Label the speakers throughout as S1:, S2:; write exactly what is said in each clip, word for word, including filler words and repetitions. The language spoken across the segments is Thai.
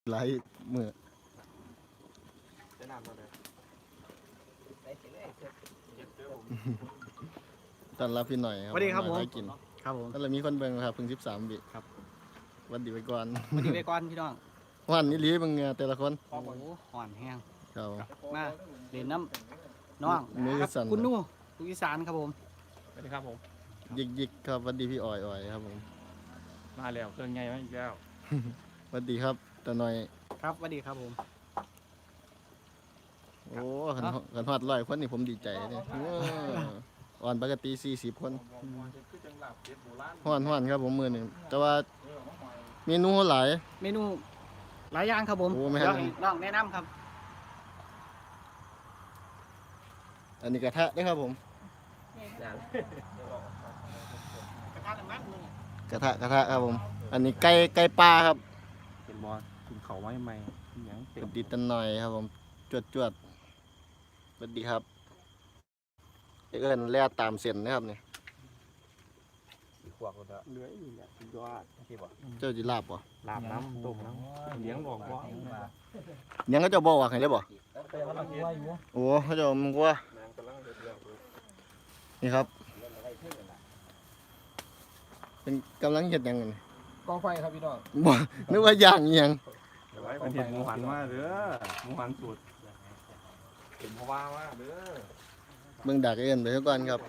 S1: หลายมือตอนรับพี่หน่อยครับ
S2: สวัสดีครับผม
S1: ให้กิน
S2: ครับผม
S1: ก็เลยมีคนเบิ่งครับเพิ่งสิบสามวิครับวันดีไปก่อน
S2: วันนี้ไปก่อนพี่น้อง
S1: วันนี้ลีมึงแต่ละคน
S2: โอ้โหห่อนแห้ง
S1: ครับ
S2: มาเล่นน้ำน้อง
S1: มือ
S2: ครับ
S1: สั่น
S2: คุณนู่ลูกอีสานครับผม
S3: สวัสดีครับผม
S1: ยิกยิกครับวันดีพี่อ่อยอ่อยครับผม
S3: มาแล้วเครื่องใหญ่มาอีกแล้ว
S1: วันดีครับตาหน่อย
S2: ครับสวัสดีครับผม
S1: โอ้ขันขันฮอดร้อยคนนี่ผมดีใจเนี่ยโอ้อ่อนปกติสี่สิบคนฮ้อนฮ้อนครับผมมือนี่แต่ว่าเมนูหลาย
S2: เมนูหลายอย่างครับผม
S1: โอ้ไม่ให้
S2: เดี๋ยวให้น้องแนะนำครับ
S1: อันนี้กระทะด้วยครับผม
S2: กระทะน้ำมันมือก
S1: ระทะกระทะครับผม อันนี้ไก่ไก่ปลาครับ
S3: เป็นบอสกินเขาไว้ใหม่ยังเต็
S1: ส
S3: ม
S1: วัสดีตันหน่อยครับผมจวดจวดสวัสดีครับเอิ้นแล่ตามเส้นนะครับเนี่ย
S3: ขวบแล้วเหลืออีกอ่ะสุดยอดที่บอก
S1: เจ้าจิลาบบ่
S3: ลาบน้ำต้มน้ำเลี้ยงหลวงพ่อ
S1: ยังก็เจะบอกว่าไงได้บ่โอ้เขาเจะมึงว่านี่ครับ เป็นกำลังเห็ดหยังไง
S2: กองไฟครับพี่น้อง
S1: บ่นึกว่าย่างอิหยัง
S3: ไว้เป็นเห็ดหมูหันมาเด้อหมูหันสูตรเป็นเพราะว่าว่าเด้อ
S1: เบิ่งดักเอิ้นไปเท่าก่อนครับ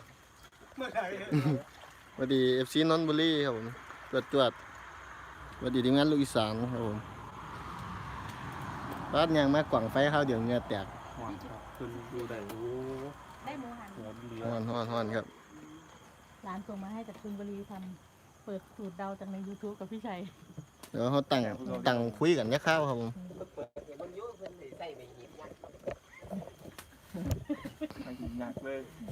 S1: สวัสดี เอฟ ซี นนทบุรีครับผมจวดจวดสวัสดีทีมงานลูกอีสานครับผมบ้านยังมากกว่างไฟข้าวเดี๋ยวเหงื่อแตก
S3: หวานครับขึ้นดูได้โอ้
S4: ได้หมูหัน
S3: โหเหลือ
S1: ฮ้อนฮ้อนฮ้อนครับ
S4: ร้านส่งมาให้จากชลบุรีทำเปิดสูตรเดาจากใน ยูทูบ กับพี่ชัย
S1: เดี๋ยวเขาตั้งตั้งคุยกันเนี่ยข้าวครับผม
S3: หนักเลย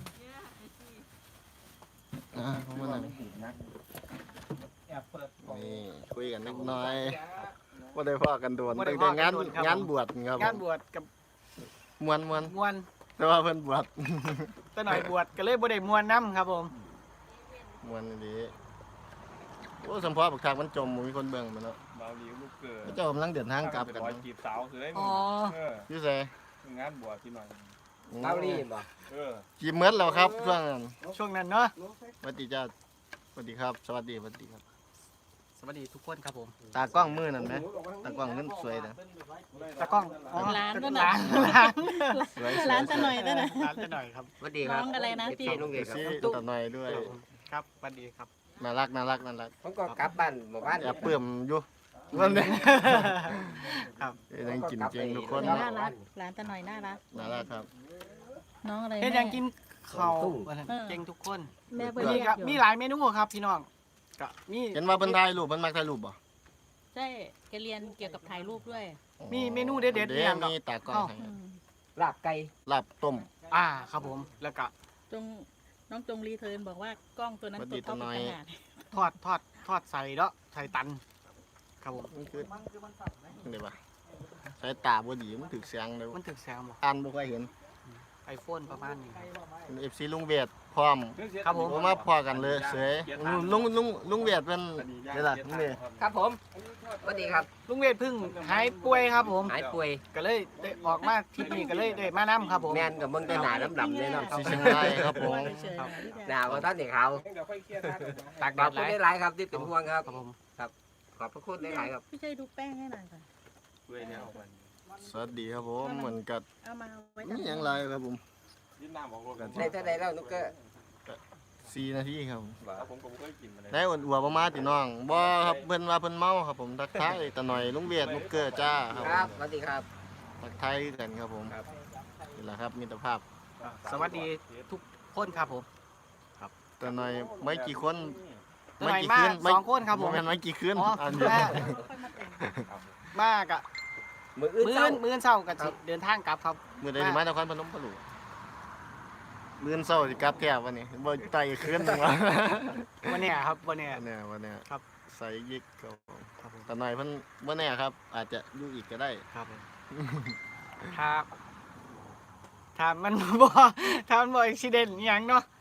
S1: อ่าเขามานั่ง
S3: นัก
S2: แอบเปิด
S1: นี่คุยกันนิดหน่อยว่าได้พ่อกันโดนตั้งแต่งานงานบวชครับ
S2: งานบวชกับ
S1: มวนมวน
S2: มวน
S1: แต่ว่าเพิ่นบวช
S2: ตะหน่อยบวชก็เลยบ่ได้มวนน้ำครับผม
S1: มวนดีโอ้สัมพอบักทางมันจมมีคนเบิ่งมันเนาะ
S3: บาวลีลูกเกิด
S1: เจ้ากำลังเดินทางกลับกัน
S3: ร้อยจีบสาวคือได้
S2: อ๋อ
S3: เออ
S1: พี่เส
S3: งานบวชที่หน่อย
S1: เกาหลี
S3: เออ
S1: จีบเมืดแล้วครับช่วงนั้น
S2: ช่วงนั้นเนาะ
S1: สวัสดีจ้าสวัสดีครับ สวัสดีสวัสดีครับ
S2: สวัสดีทุกคนครับผม
S1: ตากล้องมือนั่นไหมตากล้องนั่นสวยนะ
S2: ตากล้องอ๋อ
S4: ร้านก็
S2: ร้า
S4: นะ
S2: นร้าน
S1: สวย
S4: ร้านจะหน่อยด้วยนะ
S2: ร้านจะหน่อยครับ
S5: สวัสดีค
S4: น้
S5: รั
S4: อบ งอะไรนะที่
S5: ลุงเอก
S1: ซี
S5: ครับ
S1: ตาหน่อยด้วย
S2: ครับสวัสดีครับ
S1: น่ารักน่ารักน่ารัก
S5: ผมก็กลับบ้านหมู่บ้าน
S1: แอบเปื่มอยู่วันนี้
S2: ครับ
S1: ยังกินเจงทุกคน
S4: น่ารักร้านจะหน่อยน่ารัก
S1: น่ารักครับ
S4: น้องอะไร
S2: เฮ็ด
S4: แม่
S2: ยังกินข้าวเก่งทุกคน
S4: แม่เปิด
S2: มี
S4: เรีย
S2: ก็
S4: กอยู่
S2: มีหลายเมนูครับพี่น้องก็มี
S1: เห็นว่าเพิ่นถ่ายรูปเพิ่นมักถ่ายรูปบ่
S4: ใช่แกเรียนเกี่ยวกับถ่ายรูปด้วย
S2: มีเมนูเด็ดๆ
S1: เด้
S2: เนี่ยก็
S1: มีตากล้อง
S2: อ้าว
S1: ให้
S4: อืม
S5: ลาบไก่
S1: ลาบต้ม
S2: อ่าครับผมแล้วก็
S4: จงน้องจงรีเทิร์นบอกว่ากล้องตัวนั้น
S1: สวัส
S4: ตั
S1: ดี
S4: วเท่า
S1: ตาหน่
S4: เป็น
S1: อย
S4: ขนาด
S2: ทอดทอดทอดใส่เนาะใส่ตันครับผม
S1: มันคือเดี๋ยวว่าสายตาบ่ดีมันถึกเสียงเด้อ
S2: มันถึกแซมบ่
S1: อ่านบ่ค่อยเห็น
S2: ไอโฟนประมาณนี้
S1: เป็น เอฟ ซี ลุงเวียดพร้อม
S2: ครับผม
S1: ผมมาพอกันเลยเสยลุงลุงลุงเวียดเป็นเดี๋ยวล่ะลุงเวียด
S5: ครับผมสวัสดีครับ
S2: ลุงเวทเพึ่งหายป่วยครับผม
S5: หายป่วย
S2: ก็เลยได้ออกมาทริปนี้ก็เลยได้มานํครับผม
S5: แมนกับมึงได้หนาดำๆเลยเนาะ
S1: สีเชียงรายครับผม
S4: เฉยๆนะพี่
S5: หนาว่าท่านเด็กเขา
S2: ตาก
S5: ข
S2: แด
S5: อบ
S2: ดห
S5: คุณ
S2: ลาย
S5: ได้หลายครับที่เป็นห่วงครับ
S2: ครับผม
S5: ขอบพระคุณได้หลายครับ
S4: พี่ชัยดูแป้งให้หน่อยค่ะ
S3: ด้วยเนี่ยออกไป
S1: สวัสดีครับผมเหมือนกับ
S4: เอามาไว้
S1: นี่ยังไรครับผม
S3: ยิ้มน้ำออกรถกัน
S5: ได้เท่าใดแล้วนุกเกอร์
S1: สี่นาทีครับผม
S3: ผมก็ไม่เคยกินมาเลย
S1: ได้อวดๆประมาณติน้องบ่ครับเพิ่นว่าเพิ่นเมาครับผมทักทายตะหน่อยลุงเวียดลูกเกอร์จ้าครับ
S5: ครับสวัสดีครับ
S1: ทักทายกันครับผม
S5: ครับ
S1: นี่แหละครับมิตรภาพ
S2: สวัสดีทุกคนครับผม
S1: ตะหน่อยไม่กี่คน
S2: ตะหน่อยมาสองคนครับผม
S1: แม่นไม่กี่คืน
S2: อ๋อ
S1: อัน
S2: แม่
S4: ค่อยมาแต่ง
S2: มากอะ
S5: มืออื่น
S2: มื้อ
S5: เช้า
S2: มื้อเช้าก็สิเดินทางกลับครับ
S1: มื้อใดสิมานครพนมปะลูกมื้อเช้าสิกลับแท้วันนี้บ่ไต่คืนหนึงวะ
S2: วันเนี้ยครับวันเนี้ย
S1: วันเนี้ยวันเนี้ย
S2: ครับ
S1: ใส่ยิกครับผมตะหน่อยเพิ่นบ่แน่ครับ อาจจะอยู่อีกก็ได้
S2: ครับผมถ้าถ้ามันบ่ถ้ามันบ่อุบิเหตุอหย่างเนาะ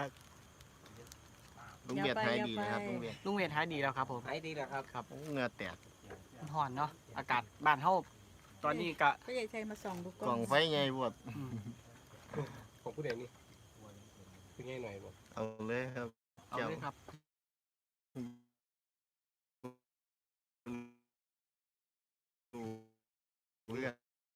S1: ลุงเวียดหายดีนะครับลุงเวียด
S2: ลุงเวทหายดีแล้วครับผม
S5: หายดีแล้วครับ
S2: ครับ
S1: เหงื่อแตก
S2: มันห่อนเนาะอากาศบ้านเฮาตอนนี้ก็
S4: ก็ใหญ่ใจมาส่องดู
S1: กล่องไฟไงบวด
S2: อืม
S5: ของผู้เดียวนี่เป็นไงหน่อยบ่
S1: เอาเลยครับ
S2: เอาเลยครับ
S1: เรื่อง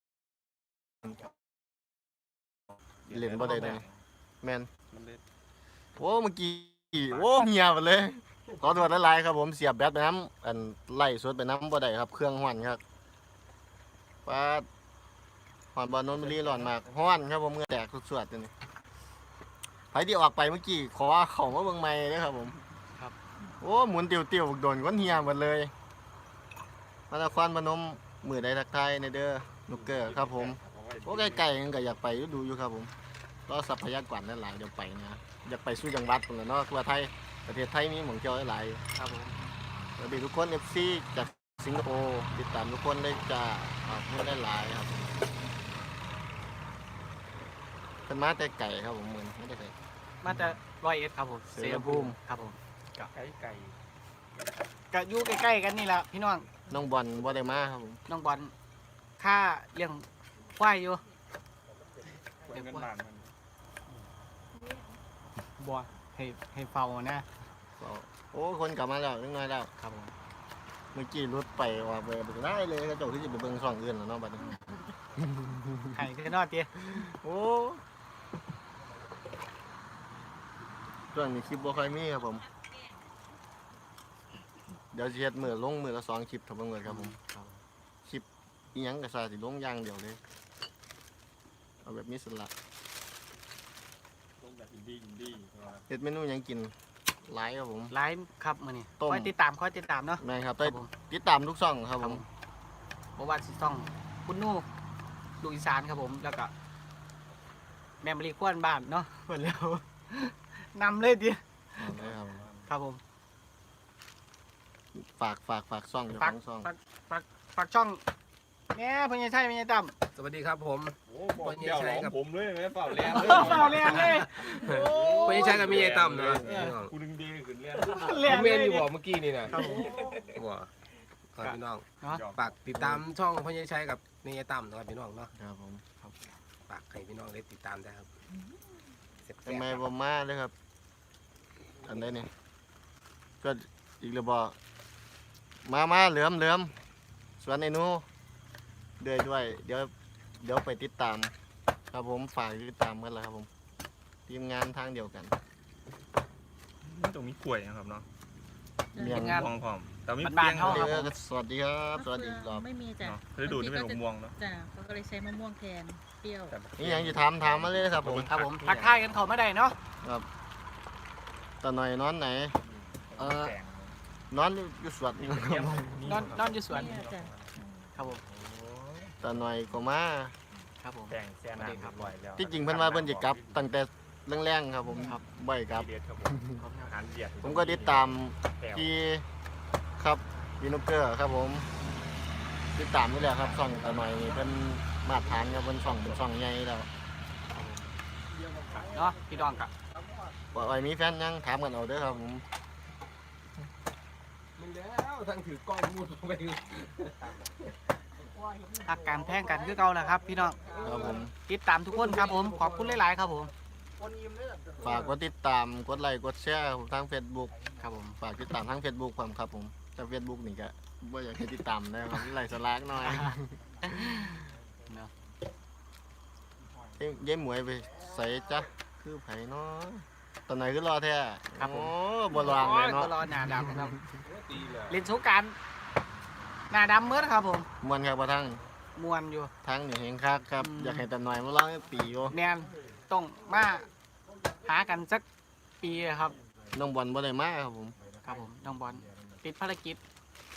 S1: เล่นบ่ได้เลยแมน
S3: มันเล่น
S1: โอ้เมื่อกี้โอ้เงียบเลยขอโทษหลายๆครับผมเสียบแบตไปน้ำอันไล่สดไปน้ำบ่ได้ครับเครื่องห้อนครับป้าดห้อนบอลนนบุรีร้อนมากห้อนครับผมเหงื่อแตกสวดๆตัวนี้ไผที่ออกไปเมื่อกี้ขอเขามาเบิ่งใหม่เลยครับผมโอ้หมุนติวๆโดนก้นเหียหมดเลยมาตะควันพนมมือใดทักทายในเด้อนุกเกอร์ครับผมโอ้ไกลๆกันก็อยากไปดูอยู่ครับผมรอทรัพยากรนั่นหลายเดี๋ยวไปนะอยากไปสู้จังหวัดพุ่นล่ะเนาะทั่วไทยประเทศไทยมีหม่องเที่ยวหลาย
S2: ครับผม
S1: สวัสดีทุกคน เอฟ ซี จากสิงคโปร์ติดตามทุกคนได้จ้าขอบคุณได้หลายครับเป็นมาแต่ไก่ครับผมเหมือนไม่ได้ไก่
S2: มาจะร้อยเอ็ดครับผม
S1: เสรภูมิ
S2: ครับผม
S3: ไก่ไก่
S2: ก็อยู่ใกล้ๆกันนี่แหละพี่น้อง
S1: น้องบอลบ่ได้มาครับผม
S2: น้องบอลค่าเลี้ยงควายอยู่
S3: เป็นเงินล้านมัน
S2: บัวให้ให้เฝ้านะ
S1: ก็โอ้คนกลับมาแล้วนิดหน่อยแล้ว
S2: ครับผม
S1: เมื่อกี้รถไปว่าไปไปได้เลยกระจกที่จะไปเบิ่งช่องอื่นแล้วเนาะบัดนี้
S2: ให้คือนอดเตี้ย
S1: โอ้ช่วงนี้คลิปบ่ค่อยมีครับผมเดี๋ยวสิเฮ็ดมือลงมือละสองคลิปทำเบิ่งเลยครับผมคลิปอีหยังก็ซาสิลงอย่างเดียวเลยเอาแบบมีสละ
S3: ต้องแบบอินดี้อินดี้
S1: เฮ็ดเมนูหยังกินหลายครับผม
S2: ไลฟ์ครับมื้อนี้
S1: ต้ม
S2: คอยติดตามคอยติดตามเนาะ
S1: แม่นครับ
S2: ค
S1: ได้
S2: รับผม
S1: ติดตามทุกช่องครับผม
S2: บ่ว่าสิต้องคุณนู่ลูกอีสานครับผมแล้วก็แม่มะลีควนบ้านเนาะเพิ่นแล้ว นำเลยดิ
S1: เอาเลยครับ
S2: ครับผม
S1: ฝากฝากฝากช่องเจ้า
S2: ฝา
S1: ข
S2: ก
S1: องช่อง
S2: ฝากฝากฝากช่องแหน่เพิ่นยังใช่เพิ่นยังตั้ม
S5: สวัสดีครับผม
S3: โอ้บอกเดี่ยวของผมเลยไหมเปล่าแรง
S2: เฝ้าเรียนเลย
S5: ไม่ใช่กับมีไอ้ตั้มนะ
S3: กูดึงดีขึ้นเรียน
S2: เรียน
S5: เม
S2: เลย
S5: นอยู่บอกเมื่อกี้นี่นะครับ
S2: ผม
S5: บอกครับพี่น้อง
S2: เนาะ
S5: ฝากติดตามช่องพ่อใหญ่ชัยกับมีไอ้ตั้มนะครับพี่น้องเนาะ
S1: ครับผม
S5: ฝากให้พี่น้องได้ติดตามได้ครับเสร็จ
S1: ทำไมบ่มาเลยครับอันใดเนี่ยก็อีกแล้วบ่มามาเหลือมเหลือมสวนไอ้หนูเดือยด้วยเดี๋ยวเดี๋ยวไปติดตาม ครับผมฝากติดตามกันแล้วครับผมทีมงานทางเดียวกัน
S3: นี่ตรงนี้กล้วยนะครับเนาะ
S1: เมียง
S2: งาน
S3: ม่วงพร้อมแต่มี
S2: บ้า
S3: เปี
S2: น
S3: ยง
S2: ๆเขา
S3: เนาะ
S1: เออสวัสดีครับสวัสดีอีกรอบ
S4: ไม่มีจ้ะ
S3: ฤดูนี่เป็นมะม่วงเนาะ
S4: จ้ะเขาก็เลยใช้มะม่วงแทนเปรี้ยว
S1: นี่ยังจะถามถามมาเลยครับผม
S2: ครับผมทักทายกันเขาไม่ได้เนาะ
S1: ตาหน่อยนอนไหน
S2: เออ
S1: นอนอยู่สวนนี่ครับ
S2: นอนนอนอยู่สวน
S4: เนี่ยจ้ะ
S2: ครับผม
S1: ตาหน่อยก็มา
S2: ครับผม
S3: แต่งแซ่น้ำครับบ่อยแล้ว
S1: ที่จริงเพิ่นว่าเพิ่นจะกลับตั้งแต่แรงๆครับผมครับบ่อยครับ
S3: เด็ดครับผมอาหารเดียด
S1: ผมก็ติดตามที่ครับวีนุกเกอร์ครับผมติดตามนี่แหละครับช่องตาหน่อยนี่เพิ่นมาตรฐานครับเพิ่นช่องเป็นช่องใหญ่แล้ว
S2: เนาะพี่ดองกับ
S1: ว่าไอ้มีแฟนยังถามกันเอาเด้อครับผม
S5: มันแล้วทั้งถือกล้องมูดไป
S2: อาการแพงกันคือเก่าแหละครับ พี่น้อง
S1: ครับผม
S2: ติดตามทุกคนครับผมขอบคุณหลายๆครับผม
S1: ฝากกดติดตามกดไลค์กดแชร์ผมทาง Facebook
S2: ครับผม
S1: ฝากติดตามทาง Facebook ผมครับผมแต่ Facebook นี่ก็บ่อยากให้ติดตามนะครับไลค์สลากหน่อย
S2: เนาะ
S1: เอ้ยเย้หมวยไปใส่จ้ะคือไผเนาะตอนไหนคือรอแท้โอ้บ่รางเลยเนาะ
S2: ก็รอหน้าดำครับ
S5: ตีเลย
S2: เล่นสงกรารหน้าดำเมื่อครับผม
S1: มวนครับบ่ทั้ง
S2: มวนอยู่
S1: ทั้งนี่เฮงคักครับ
S2: อืม
S1: อยากให้ตาหน่อยมาร้องให้ปีโอ
S2: แนนต้องมาหากันสักปีครับ
S1: น้องบอลบ่ได้มาครับผม
S2: ครับผมน้องบอลติดภารกิจ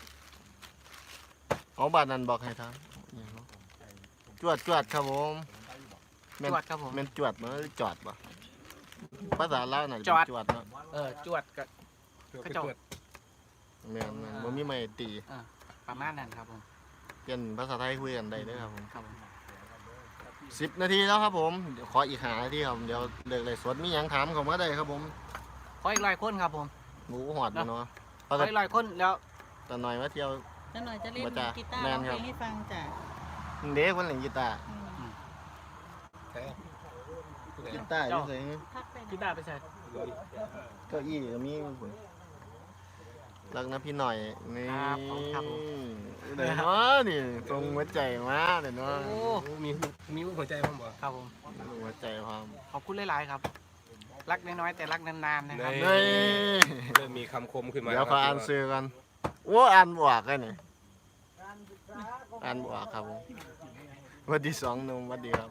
S1: เอาบาดนั้นบอกให้ทางอิหยังเนาะจวดจวดครับผมแม่น
S2: จวดครับผม
S1: แม่นจวดบ่หรือจอดบ่ภาษาลาวน่ะ
S2: จอด
S1: จวดเนาะ
S2: เออจวดกับ กระจก
S1: แม่นแม่นบ่มีไม้ตี
S2: ประมาณนั้นครับผม
S1: เปลี่ยนภาษาไทยคุยกันได้เด้อครับผม
S2: ครับผม
S1: สิบนาทีแล้วครับผมเดี๋ยวขออีกห้านาทีครับเดี๋ยวเลิกเลยสดมีหยังถามเข้ามาได้ครับผม
S2: ขออีกร้อยคนครับผม
S1: หมูหอดบ่เนาะ
S2: ขออีกร้อยคนแล้ว
S1: ตาหน่อยมาเที่ยว
S4: จ้ะแล้วหน่อยจะเล่น
S1: บ่จ้ะ
S4: กีตาร์
S1: แม่
S4: ร้อน ง
S1: ค
S4: เพ
S1: รั
S4: ล
S1: บ
S4: งให้ฟังจ้ะ
S1: เด็กคนเล่นกีตาร์
S4: อืม
S5: ใช่ผู้ใด
S1: กีตาร์อยู่ไส
S4: พักไป
S2: กี
S4: นะ
S2: ตาร์ไปใส่
S1: เก้าอี้ก็มีพุ่นรักนะพี่หน่อยนี่
S2: ครับผมครับผม
S1: เดี๋ยวเนาะนี่ตรงหัวใจมาเดี๋ยวเนาะ
S2: โอ้
S5: โอ้มีมีหัวใจผมบ่
S2: ครับผม
S1: หัวใจความ
S2: ขอบคุณหลายๆครับ รักน้อยๆแต่รักนานๆนะครับ
S1: เฮ้ย
S5: เริ่มมีคำคมขึ้นมา
S1: เดี๋ยวขออ่าน
S5: ครับ
S1: ซื้อกันโอ้อ่านบวกกันนี่อ่านบวกครับผมหวันที่สองหนุ่มหวันดีครับ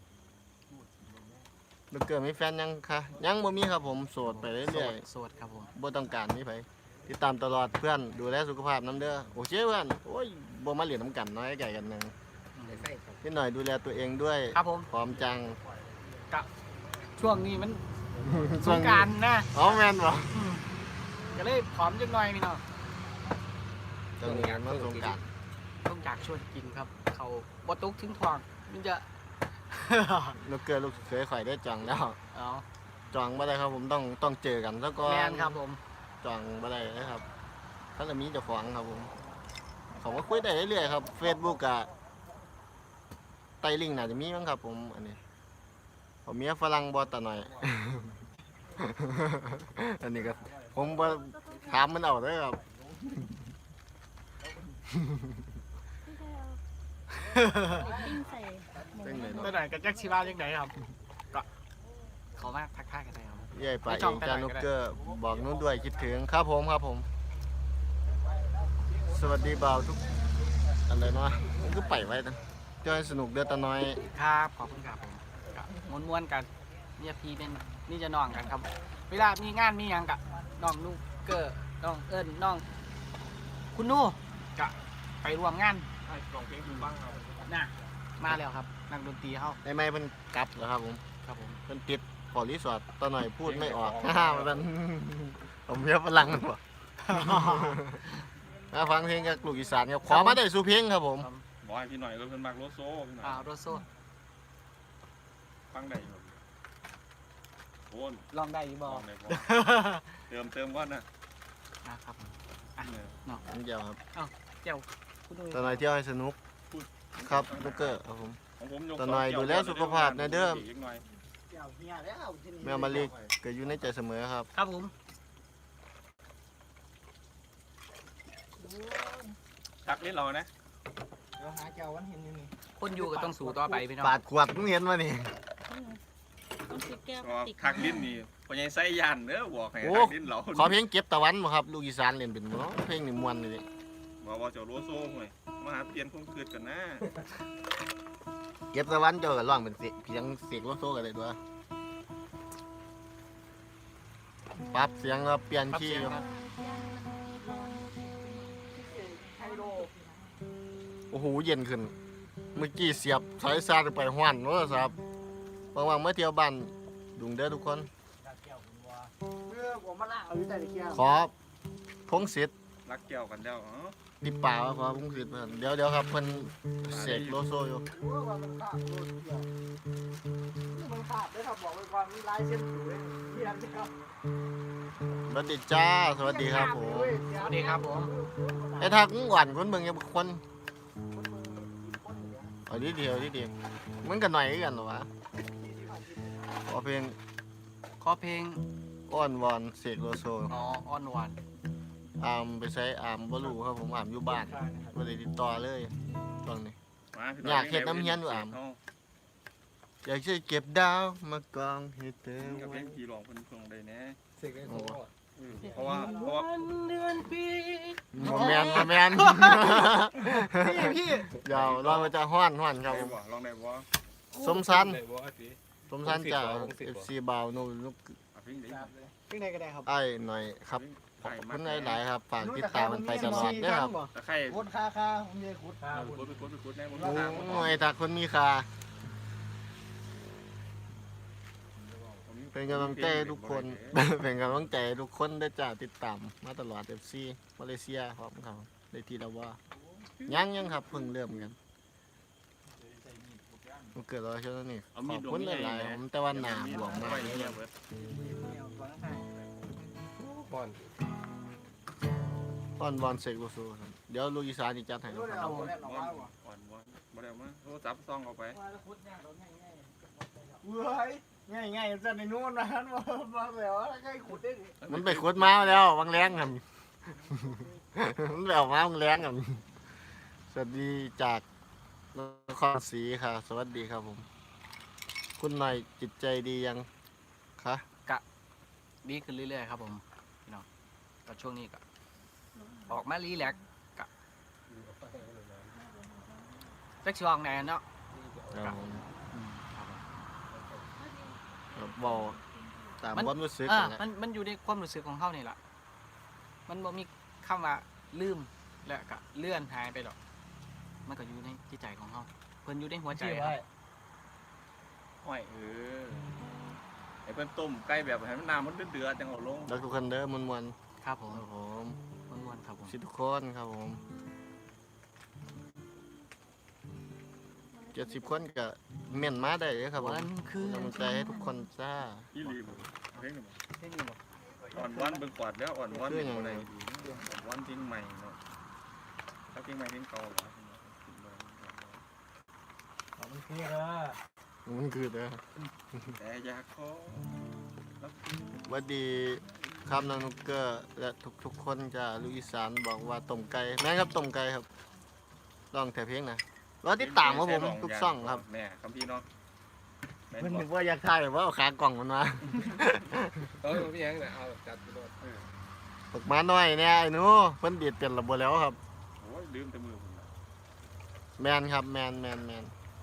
S1: ลูกเกิดมีแฟนยังคะยังบ่มีครับผมโสดไป
S2: โส
S1: เรื่อ
S2: ด
S1: ย
S2: โสดครับผม
S1: ๆบ่ต้องการมีไผติดตามตลอดเพื่อนดูแลสุขภาพน้ำเด้อโอเคเพื่อนโอ้ยบ่มาเหรียญน้ำกันน้อยไก่กันหนึง
S5: ใช่ครับ
S1: นิดหน่อยดูแลตัวเองด้วย
S2: ครับผม
S1: พร้อมจัง
S2: ช่วงนี้มันสงกรารนะ
S1: อ๋อแม่นบ่
S2: อืมก็เลยผอมจังหน่อยพี่น้อง
S1: ตรงนี้มันสงกราร
S2: ต้องจากชวนกินครับ เขาบตุกถึงทองมันจะ
S1: ลูกเกิดลูกเคยข่อยได้จองแล้ว
S2: เอา
S1: จองบ่ได้ครับผมต้องต้องเจอกันซะก่อน
S2: แมนครับผม
S1: จองบ่ได้นะครับถ้าจะมีเจ้าของครับผมเขาก็คุยได้เรื่อยๆครับ Facebook กะไตลิงก์น่าจะมีมั้งครับผมอันนี้ผมเมียฝรั่งบ่ตะหน่อย อันนี้ก็ผมบ่ถามมันเอาเด้อครับ
S4: ปิ้งใส่หมู
S1: เป็นไง
S2: ตัวไหนกับแจ็คชิบ้ายังไงครับ ก็ขอมาทักทายกันได้ครับ
S1: ใหญ่ไป
S2: ไม่
S1: เอ
S2: จอง
S1: ง
S2: ไป
S1: จา
S2: ไหน
S1: นุ
S2: ก็ได้
S1: กเกอร์บอกนู้นด้วยคิดถึงครับผมครับผม สวัสดีบ่าวทุกอันใดเนาะมันก็ไปไว้นะจอยสนุกเด้อตาน้อย
S2: ครับ ขอบคุณครับผมก็ม้วนๆกันเนี่ยพี่เป็นนี่จะน้องกันครับ เวลามีงานมีหยังกะน้องลูกเกอร์น้องเอิญน้อง คุณนู่กะไปรวมงาน
S3: ให้กล่องเพลงคุณบ้างครับ
S2: น่ะมาแล้วครับนักดนตรีเขา
S1: ไอ้ไม่เพิ่นกลับแล้วครับผม
S2: ครับผม
S1: เพิ่นติดขอรีสอร์ทตาหน่อยพูดไม่ออก ฮ่ามันผมเมียฝรั่งมันบ่ มาฟังเพลงกับลูกอีสานครับขอมาได้สู่เพลงครับผม
S3: บอกให้พี่หน่อยก็เพิ่นมักโลโซพี่หน่อย
S2: อ่าโรโซ
S3: ฟังได้อยู่โอน
S2: ลองได้อยู่บ
S3: ล
S2: อ
S3: องได้บ่เติมเติมก่อนนะ
S2: นะครับผม
S3: เนี่ย
S1: นี่เดียวครับ
S2: เจ้าคุณนุ่ย
S1: ตาหน่อยเที่ยวให้สนุกครับลูกเกอร์ครับผม
S3: ของผมยก
S1: แต่หน่อยดูแลสุขภาพนะเด้อ
S3: อีกหน่อย
S1: แมวมาลีก็อยู่ในใจเสมอครับ
S2: ครับผม
S3: ชักเล่นเรานะ
S2: คนอยู่ก็ต้องสู้ต่อไปพี่น้อง
S1: ปาดขวดมึงเห็นมานี่
S4: ต้องซื้อแก้วพ
S3: ก็
S4: ลาสติก
S3: ทักลิ้นนี่พอใหญ่ไส้ยานเด้อบอกให้
S1: โอ้
S3: ทักลิ้นเรา
S1: ขอเพลงเก็บตะวันบ่ครับลูกอีสานเล่นเป็นบ่เนาะเพลงนี่ม่วนเลย
S3: บอกว่าเจ้าโลโซห่วยมาหาเปลี่ยนความคิดกันนะ
S1: เก็บตะวันเจ้าก็ร้องเป็นเสียงเพียงเสียงโลโซกันเลยด้วยปรับเสียงแล้วเปลี่ยน
S2: ครับ
S1: คีย์
S2: เสียง
S1: อยู่
S2: ครับ
S1: โอ้โหเย็นขึ้น เมื่อกี้เสียบสายซาดไปห้วนโทรศัพท์ว่างๆมาเที่ยวบ้านดุงเด้อทุกคน ขอพงศิษฐ์
S3: รักแก้วกันแล้วอ๋อ
S1: ดิป่าวขอพงศิษฐ์เพิ่นเดี๋ยวเดี๋ยวครับเพิ่นเสกโลโซอยู่สวัสดีจ้าสวัสดีครับผม
S2: สวัสดีครับผม
S1: ไอ้ทักมึงหวานคนเบิ่งยังคนเอาดีเดียวดีเดียวมันกันหน่อยคือกันเหรอวะขอเพลง
S2: ขอเพลง
S1: อ้อนวอนเสกโลโซ
S2: อ๋อออนวัน
S1: อามไปใช้อามบ่รู้ครับผมอามอยู่บ้านบ่ได้ติดต่อเลยตอนนี้
S3: มาพี่
S1: อยากเฮ็ดน้ำเฮียนอยู่อ่ะ
S3: เา
S1: อยากจะเก็บดาวมากองให้เธอ
S3: กับเพ
S1: ไว้
S3: ลงพี่ร้องเพิ่นเพิ่งได้แน่
S5: เสกได้โซ
S3: เออเพราะว่าเพราะว่า
S2: เดือนปี
S1: บ่แม่นบ่แม่น
S2: พี่พี่
S1: เดี๋ยวเรามาจะฮ้อนฮ้อนครับ
S3: ได้
S1: ผม
S3: บ่ลองได้บ่
S1: สมสัน
S5: ได้บ่อาทิ
S1: สมสันจาก
S5: วงศิษย์
S1: เอ
S5: บ่
S1: ฟซีบาวนูนุก
S3: อ่ะเพลงนี้
S2: เพลงไหนก็ได้ครับ
S1: ไอ้หน่อยครับขอบคุณหลายๆครับฝากติดตามมันไปตลอดเด้อครับ
S3: ตะไคร้
S2: โคตรคาคาผมเยคุด
S3: เออไปกดไปกดไปกดแน่บ่
S1: โ
S3: ทางบ่
S1: อ้ยถ้าคนมีค่าเป็นกำลังใจให้ทุกคน เป็นกำลังใจให้ทุกคนได้จ้าติดตามมาตลอด เอฟ ซี มาเลเซียพร้อมเขาได้ทีละว่ายังยังครับเพิ่งเริ่มกันมันเกิดอะไรขึ้นนี่ขอบคุณหลายๆผมแต่ว่าหนาบวมมากเลยครับ
S5: ป้อน
S1: อ่อนวอนเสกโลโซครับเดี๋ยวลูกอีสานจะจัดให้ครับ
S2: เอาผม
S3: อ่อนอ่อนบ่บ่ได้มาโทรศัพท์ซ่องเอาไป
S2: เว้ยง่ายง่ายจะในนู้นนะฮันมามาแล้วใกล้ขุดได้ดิ
S1: มันไปขุดมาแล้ววังแรงครับ มันไปเอามาวังแรงครับสวัสดีจากนครศรีค่ะสวัสดีครับผม คุณหน่อยจิตใจดียังคะ
S2: ดีขึ้นเรื่อยๆครับผมพี่น้องก็ช่วงนี้ก็ออกมารีแลกซ์ก็จักช่วงไหนเนาะ
S1: ครับผม
S2: อืมครับผม
S1: ครับบอกตาม
S2: มัน
S1: ความรู้สึก
S2: อ่า
S1: นั่นแหละ
S2: มันมันอยู่ในความรู้สึกของเขานี่แหละมันบ่มีคำว่าลืมแล้วก็เลื่อนหายไปหรอกมันก็อยู่ในจิตใจของเขาเพิ่นอยู่ในหัวใจครับ
S3: ห้อยเออไอ้เพิ่นต้มไก่แบบให้มันน้ำมันเดือดๆจังเอาลง
S1: แล้วทุกคนเด้อมวนมวน
S2: ครับผ
S1: ๆ
S2: ม
S1: ครับผม
S2: ม้วนๆครับผม
S1: ชิทุกคนครับผมเจ็ดสิบคนก็เม่นมาได้เลยครับผม
S2: มันคือก
S1: ำลังใจให้ทุกคนจ้า
S3: อีหลีบ่เพลงนี่บ่
S2: ได้ยินบ่
S3: อ่อนวันเบิ่งกวาดแล้วอ่อนวันเป็นบ่ได้ดีอ่อนวันเพลงใหม่เนาะถ้าเพลงใหม่เพลงเก่าเหรอ
S2: มันคือเออ
S1: มันคือเด้อ
S3: แต่อยากขอ
S1: หวัสดีครับน้องนุกเกอร์และทุกๆคนจ้าลูกอีสานบอกว่าต้มไก่แม่นครับต้มไก่ครับลองแต่เพลงนะรอติดตามครับผมทุกซ่องครับ
S3: แม่คำพี่เนาะแม่น
S1: เพิ่น
S3: บ่
S1: นึกว่าอยากถ่ายว่าเอาขากล่องมันมา
S5: เออพี่ยังเนี่ยเอาจัดไปโดน
S1: ตกมาหน่อยเนี่ยไอ้หนูเพิ่นดีดเปลี่ยนระบบแล้วครับ
S3: โอ้ยลืมแต่มือผมนะ
S1: แมนครับแมนแมนแมน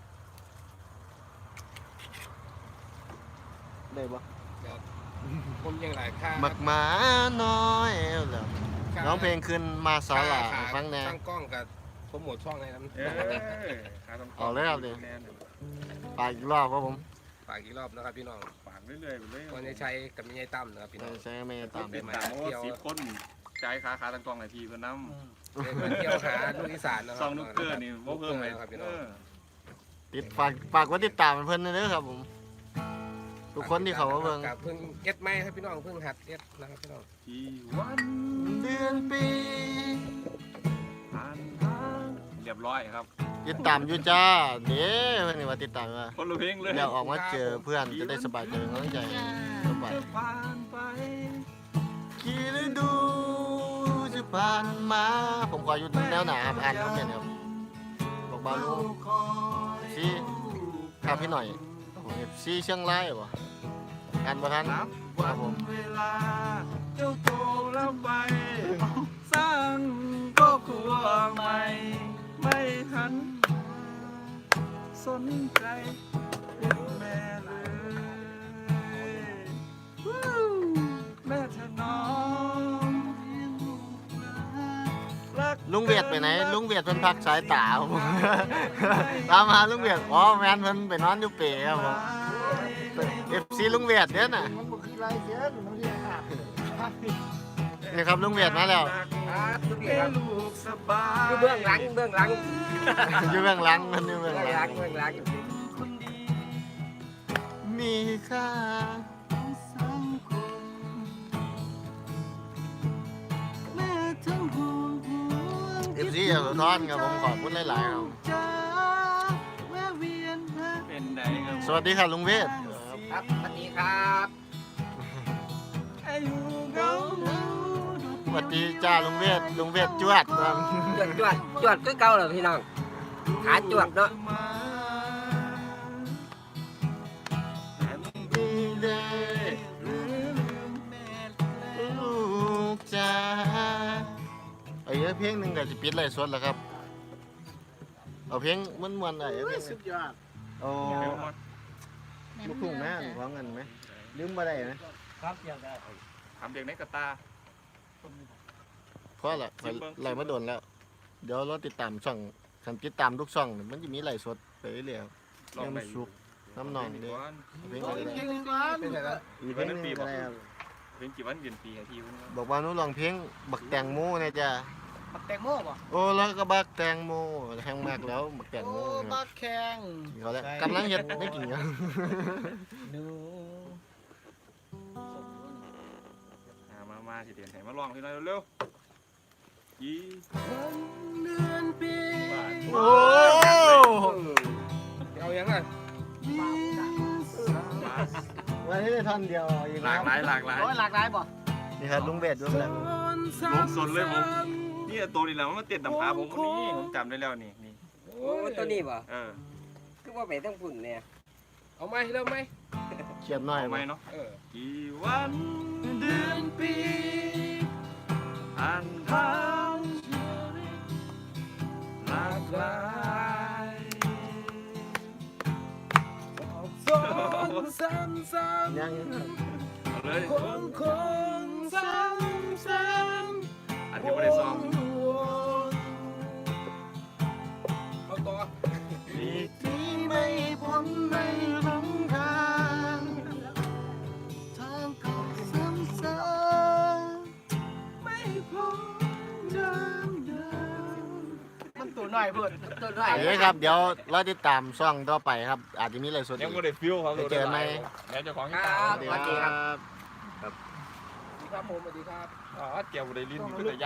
S1: ได้ปะ
S5: ผมยังหลายค่า
S1: หมักหมาน้อยแล้วร้องเพลงขึ้นมาสาลาให้ฟังแน่
S5: ตั้งกล้องกับโปรโมทช่องให้น้
S3: เออขาต้อง
S1: เอาเลยครับดิ
S3: แน่น
S1: ไปอีกรอบครับผม
S5: ฝากอีกรอบนะครับพี่น้อง
S3: ฝากเรื่อยๆไปเลย
S5: วันนี้ใช้กับมิยายตั้มนะครับพี่น้อง
S1: ใช้ไม่ตาม
S3: เป็นตามเพราะว่าสิบคนจ่ายค่าขาตั้งกล้องให้พี่เพิ่นนำ
S5: เดินเที่ยวหาลูกอีสานนะครั
S3: ซองนุกเกอร์นี่บ่เพิ่มให้
S5: ครับพี่
S3: เอ
S5: น้อง
S3: อ
S1: ติดฝากฝากไว่าติดตามเพิ่นเด้อครับผม ทุกคนที่เขามาเบิ่ง
S5: กับเพิ่งเอ็ดไม้ครับพี่น้องเพิ่งหัดเอ็ดนะครับพี่น้อง
S3: ที่วัน
S1: เดือนปี
S3: ผ่านทางเรียบร้อยครับ
S1: ติดตามอยู่จ้าเด้เพิ่นนี่ว่าติดตามว่า
S3: คนละเพลงเลย
S1: แล้วออกมาเจอเพื่อนจะได้สบายใจกำลังใจสบาย
S3: จะผ่านไป
S1: กี่ฤดูจะผ่านมา ผมขออยู่แนวหนาครับอ่านคอมเมนต์ครับบอกบาลูซีครับพี่หน่อยซีเชียงรายบ่อ่านบ่ทัน
S3: นับ
S1: ครั
S3: วั
S1: บ
S3: น
S1: ผม
S3: เวลาเจ้าโตแล้วไป สร้างครอบครัวใหม่ ไม่หันสนใจเป็นแม่เลยวู้แม่เธอน้องรัก
S1: ลุงเวียดไปไหนลุงเวียดเพิ่นพักสายตาครับผม ตามหาลุงเวียดอ๋อแมนเพิ่นไปนอนอยู่เป๋ครับผม เอฟซีลุงเวียดเด้อน่ะ
S2: มันบ่คือลายเสียหรือมันเรียกครับ
S1: นี่ครับลุงเวียดมาแล้ว
S5: ครับทุกที
S3: ให้
S5: ครับ
S3: ลูกสบาย
S5: อยู่เบื้องหลังเบื้องหลัง
S1: อยู่เบื้องหลังมันอยู่เบื้
S5: เบื้
S1: อ
S5: อง ง
S1: ห
S5: ห
S1: ลั
S5: ลั
S1: ง
S5: งเบื้องหลัง
S3: คนดี
S1: มีค่า
S3: สังคมแม่ทั้งห่วงห่วง
S1: เอฟซีอย่าสะท้อนครับผมขอบคุณหลายๆครับ
S3: จ้าแวะเวียนหาเป็นไดครับ
S1: สวัสดีค่ะลุงเวท
S5: ครับสวัสดีครับ
S3: อายุเงา
S1: สวัสดีจ้าลุงเวทลุงเวทจวดครับ
S5: จวดจวดจวดก็เก่าเหรอพี่น้องขาจวดเนาะ
S1: ดีเด้ลูกจ้าไอ้เอ้ยเพลงหนึ่งก็จะปิดไลฟ์สดแล้วครับ เอาเพลงมันมวนๆไอ้เอ้ย
S2: สุดยอด
S1: เอาลูกทุ่งแม่ร้องกันไหมลืมมาได้ไหม
S2: ครับอยากได้
S3: ทำเด็กในกระตา
S1: เพราะอะไรไล่มาโดนแล้ว เดี๋ยวเราติดตามช่องคันติดตามทุกช่องนี่มันจะมีไลฟ์สดไปเรื่อยๆครับ
S3: ลองไป
S1: สุกน้ำหนองเด้อเพลง
S2: โอ้
S1: อะไร
S2: ย
S1: ได้
S2: เพลงหนึงก่อน
S5: เป็นไงครับ
S1: อีกเพลงหนึงอะไรครับ
S3: เพลงกี่วันเดือนปีให้พี่คุณครับ
S1: บอกว่าหนู้ลองเพลงบักแตงโมเนี่ยจ้ะ
S2: บักแตงโมบ่
S1: โอ้แล้วก็บักแตงโมแห้งมากแล้วบักแตง
S2: โอ้
S1: โมค
S2: บั
S1: รับ
S2: กแข็ง
S1: เขาแล้วกำลังเฮ็ดได้กินครับ
S2: หนู
S3: อ่ามามาสิเดือนไหนมาลองพี่น้อยเร็วกี่
S5: วันเดือนปี
S3: บาท
S1: โอ้
S5: เอายังไง
S1: วันนี้ได้ท่อนเดียวอีก
S3: หลากหลายหลากหลาย
S2: โอ้ยหลากหลายบ่
S1: นี่ครับลุงเบสลุงแหลม
S3: ลงสนเลยผมนี่ตัวนี้แหละมันมาเต็ดน้ำขาผมคนนี้ผมจำได้แล้วนี่นี่
S5: โอ้ตัวนี้ป่ะ
S3: เออ
S5: คือว่าไปตั้งฝุ่นเนี่ยเอาไหมเริ่มไหม
S1: เขียบหน่อย
S3: เอาไหม
S1: บ่
S3: เนาะ
S5: เออ
S3: กี่วันเดือนปีผ่านทางชีวิตหลากหลาย
S5: สองสามสาม
S1: ยัง
S3: เอาเลย
S5: คงคงสามสาม
S3: อันนี้ไม่ได้ซ้อม
S5: เอาต่อ
S3: นี่
S1: ที่ไม่พ้นไม่หลงทางทางเก่าซ้ำ
S5: ไม่พอเดิมเดิม
S2: มันตัวน้อยเพิ่นตัวน้อย
S1: ๆเอ้ยครับเดี๋ยวเราติดตามช่องต่อไปครับ อาจจะมีอะไรสด
S3: ยัง
S1: อี
S3: ไม่
S1: ก
S3: ได้ฟิวครับ
S1: ไปเจอไหม
S3: แล้วเจ้าของ
S5: ค
S3: ที่
S5: รั
S3: ตา
S5: บ
S1: สวัสดีครับ
S5: สวัสดีครับผมสวัสดีครับ
S3: อ๋อเกี่ยวกับได้ลิ้นก็ได้